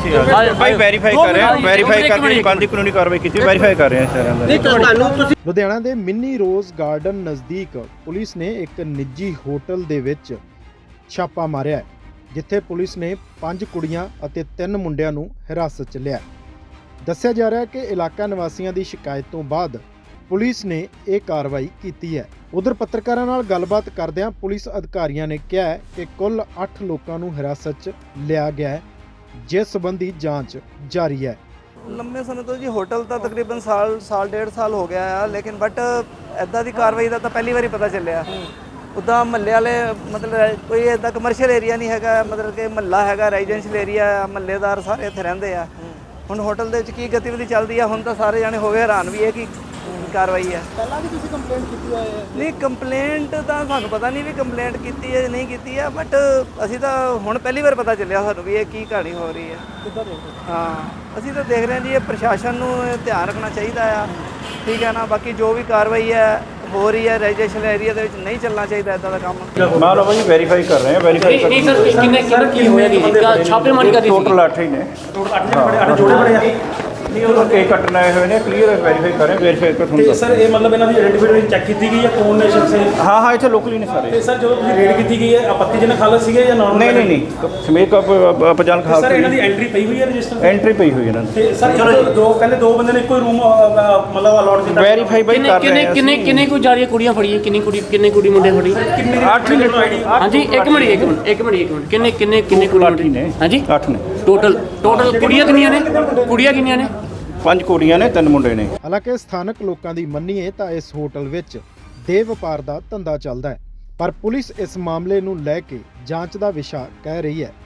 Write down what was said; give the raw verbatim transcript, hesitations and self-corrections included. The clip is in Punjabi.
ਅਸੀਂ ਭਾਈ ਵੈਰੀਫਾਈ ਕਰ ਰਹੇ ਹਾਂ, ਵੈਰੀਫਾਈ ਕਰਕੇ ਬੰਦੀ ਕਾਨੂੰਨੀ ਕਾਰਵਾਈ ਕੀਤੀ, ਵੈਰੀਫਾਈ ਕਰ ਰਹੇ ਹਾਂ ਸਾਰਿਆਂ ਦਾ। ਨਹੀਂ ਤੁਹਾਨੂੰ ਤੁਸੀਂ ਲੁਧਿਆਣਾ ਦੇ ਮਿੰਨੀ ਰੋਜ਼ ਗਾਰਡਨ ਨਜ਼ਦੀਕ ਪੁਲਿਸ ਨੇ ਇੱਕ ਨਿੱਜੀ ਹੋਟਲ ਦੇ ਵਿੱਚ ਛਾਪਾ ਮਾਰਿਆ ਹੈ, ਜਿੱਥੇ ਪੁਲਿਸ ਨੇ ਪੰਜ ਕੁੜੀਆਂ ਅਤੇ ਤਿੰਨ ਮੁੰਡਿਆਂ ਨੂੰ ਹਿਰਾਸਤ 'ਚ ਲਿਆ। ਦੱਸਿਆ ਜਾ ਰਿਹਾ ਹੈ ਕਿ ਇਲਾਕਾ ਨਿਵਾਸੀਆਂ ਦੀ ਸ਼ਿਕਾਇਤ ਤੋਂ ਬਾਅਦ ਪੁਲਿਸ ਨੇ ਇਹ ਕਾਰਵਾਈ ਕੀਤੀ ਹੈ। ਉਧਰ ਪੱਤਰਕਾਰਾਂ ਨਾਲ ਗੱਲਬਾਤ ਕਰਦਿਆਂ ਪੁਲਿਸ ਅਧਿਕਾਰੀਆਂ ਨੇ ਕਿਹਾ ਹੈ ਕਿ ਕੁੱਲ ਅੱਠ ਲੋਕਾਂ ਨੂੰ ਹਿਰਾਸਤ 'ਚ ਲਿਆ ਗਿਆ ਹੈ, ਜਿਸ ਸੰਬੰਧੀ ਜਾਂਚ ਜਾਰੀ ਹੈ। ਲੰਮੇ ਸਮੇਂ ਤੋਂ ਜੀ ਹੋਟਲ ਤਾਂ ਤਕਰੀਬਨ ਸਾਲ ਸਾਲ ਡੇਢ ਸਾਲ ਹੋ ਗਿਆ ਆ, ਲੇਕਿਨ ਬਟ ਐਦਾਂ ਦੀ ਕਾਰਵਾਈ ਦਾ ਤਾਂ ਪਹਿਲੀ ਵਾਰੀ ਪਤਾ ਚੱਲਿਆ। ਉੱਦਾਂ ਮਹੱਲੇ ਵਾਲੇ ਮਤਲਬ ਕੋਈ ਇੱਦਾਂ ਕਮਰਸ਼ੀਅਲ ਏਰੀਆ ਨਹੀਂ ਹੈਗਾ, ਮਤਲਬ ਕਿ ਮਹੱਲਾ ਹੈਗਾ, ਰੈਜ਼ੀਡੈਂਸ਼ੀਅਲ ਏਰੀਆ, ਮਹੱਲੇਦਾਰ ਸਾਰੇ ਇੱਥੇ ਰਹਿੰਦੇ ਆ। ਹੁਣ ਹੋਟਲ ਦੇ ਵਿੱਚ ਕੀ ਗਤੀਵਿਧੀ ਚੱਲਦੀ ਆ, ਹੁਣ ਤਾਂ ਸਾਰੇ ਜਾਣੇ ਹੋ ਗਏ ਹੈਰਾਨ ਵੀ ਇਹ ਕੀ ਕਾਰਵਾਈ ਹੈ। ਪਹਿਲਾਂ ਵੀ ਤੁਸੀਂ ਕੰਪਲੇਂਟ ਕੀਤੀ ਹੋਈ ਹੈ? ਨਹੀਂ ਕੰਪਲੇਂਟ ਤਾਂ ਸਾਨੂੰ ਪਤਾ ਨਹੀਂ ਵੀ ਕੰਪਲੇਂਟ ਕੀਤੀ ਹੈ ਜਾਂ ਨਹੀਂ ਕੀਤੀ ਹੈ, ਬਟ ਅਸੀਂ ਤਾਂ ਹੁਣ ਪਹਿਲੀ ਵਾਰ ਪਤਾ ਚੱਲਿਆ ਸਾਨੂੰ ਵੀ ਇਹ ਕੀ ਕਹਾਣੀ ਹੋ ਰਹੀ ਹੈ। ਕਿੱਦਾਂ ਦੇਖੋ? ਹਾਂ ਅਸੀਂ ਤਾਂ ਦੇਖ ਰਹੇ ਹਾਂ ਜੀ, ਇਹ ਪ੍ਰਸ਼ਾਸਨ ਨੂੰ ਧਿਆਨ ਰੱਖਣਾ ਚਾਹੀਦਾ ਆ, ਠੀਕ ਹੈ ਨਾ। ਬਾਕੀ ਜੋ ਵੀ ਕਾਰਵਾਈ ਹੈ ਹੋ ਰਹੀ ਹੈ ਰੈਜ਼ੀਡੈਂਸ਼ੀਅਲ ਏਰੀਆ ਦੇ ਵਿੱਚ ਨਹੀਂ ਚੱਲਣਾ ਚਾਹੀਦਾ ਇੱਦਾਂ ਦਾ ਕੰਮ। ਮਾਂ ਲਓ ਜੀ ਵੈਰੀਫਾਈ ਕਰ ਰਹੇ ਹਾਂ, ਵੈਰੀਫਾਈ ਕਰ ਨਹੀਂ ਸਰ ਕਿੰਨੇ ਕਿੰਨੇ ਕੀ ਹੋਇਆ ਜੀ ਛਾਪੇਮਾਰੀ ਕਰ ਰਹੀ ਸੀ? ਟੋਟਲ ਅੱਠ ਹੀ ਨੇ। ਟੋਟਲ ਅੱਠ ਜਣੇ ਬੜੇ ਅੱਠ ਜੋੜੇ ਬੜੇ ਆ। ਨਹੀਂ ਉਹ ਕੇਕ ਕੱਟਣ ਆਏ ਹੋਏ ਨੇ, ਕਲੀਅਰ ਵੈਰੀਫਾਈ ਕਰ ਰਹੇ, ਵੈਰੀਫਾਈ ਕਰ ਤੁਹਾਨੂੰ ਤੇ ਦੱਸ। ਸਰ ਇਹ ਮਤਲਬ ਇਹਨਾਂ ਦੀ ਆਇਡੈਂਟੀਫਿਕੇਸ਼ਨ ਚੈੱਕ ਕੀਤੀ ਗਈ ਹੈ ਕੌਣ ਨੇ ਸ਼ਖਸ ਇਹ? ਹਾਂ ਹਾਂ ਇੱਥੇ ਲੋਕਲੀ ਨੇ ਸਾਰੇ। ਤੇ ਸਰ ਜਦੋਂ ਤੁਸੀਂ ਰੇਡ ਕੀਤੀ ਗਈ ਹੈ ਆਪੱਤੀਜਨਕ ਹਾਲਤ ਸੀਗੇ ਜਾਂ ਨਾਰਮਲ? ਨਹੀਂ ਨਹੀਂ ਨਹੀਂ ਸਮੇਤ ਆਪਜਾਨ ਖਾਲ ਸਰ ਇਹਨਾਂ ਦੀ ਐਂਟਰੀ ਪਈ ਹੋਈ ਹੈ ਰਜਿਸਟਰ? ਐਂਟਰੀ ਪਈ ਹੋਈ ਇਹਨਾਂ ਦੀ। ਤੇ ਸਰ ਚਲੋ ਦੋ ਕਹਿੰਦੇ ਦੋ ਬੰਦੇ ਨੇ ਇੱਕੋ ਹੀ ਰੂਮ ਮਤਲਬ ਅਲਾਟ ਕੀਤਾ। ਵੈਰੀਫਾਈ ਬਾਈ ਕਰ ਰਹੇ ਕਿੰਨੇ ਹਾਂ। ਕਿੰਨੇ ਕਿੰਨੇ ਕੋ ਜਾ ਰਹੀ ਕੁੜੀਆਂ ਫੜੀਆਂ, ਕਿੰਨੀ ਕੁੜੀ ਕਿੰਨੇ ਕੁੜੀ ਮੁੰਡੇ ਫੜੀ? ਕਿੰਨੇ ਅੱਠ ਨੇ। ਹਾਂਜੀ ਇੱਕ ਮਿੰਟ ਇੱਕ ਮਿੰਟ ਇੱਕ ਮਿੰਟ ਇੱਕ ਮਿੰਟ ਕਿੰਨੇ ਕਿੰਨੇ ਕਿੰਨੇ ਕੁੜੀ ਅੱਠ ਹੀ ਨੇ। ਹਾਂਜੀ ਅੱਠ ਨੇ ਟੋਟਲ ਟੋਟਲ ਕੁੜੀਆਂ ਕਿੰਨੀਆਂ ਨੇ? ਕੁੜੀਆਂ ਕਿੰਨੀਆਂ ਨੇ? ਪੰਜ ਕੁੜੀਆਂ ਨੇ, ਤਿੰਨ ਮੁੰਡੇ ਨੇ। ਹਾਲਾਂਕਿ ਸਥਾਨਕ ਲੋਕਾਂ ਦੀ ਮੰਨੀਏ ਤਾਂ ਇਸ ਹੋਟਲ ਵਿੱਚ ਦੇਹ ਵਪਾਰ ਦਾ ਧੰਦਾ ਚੱਲਦਾ ਹੈ, ਪਰ ਪੁਲਿਸ ਇਸ ਮਾਮਲੇ ਨੂੰ ਲੈ ਕੇ ਜਾਂਚ ਦਾ ਵਿਸ਼ਾ ਕਹਿ ਰਹੀ ਹੈ।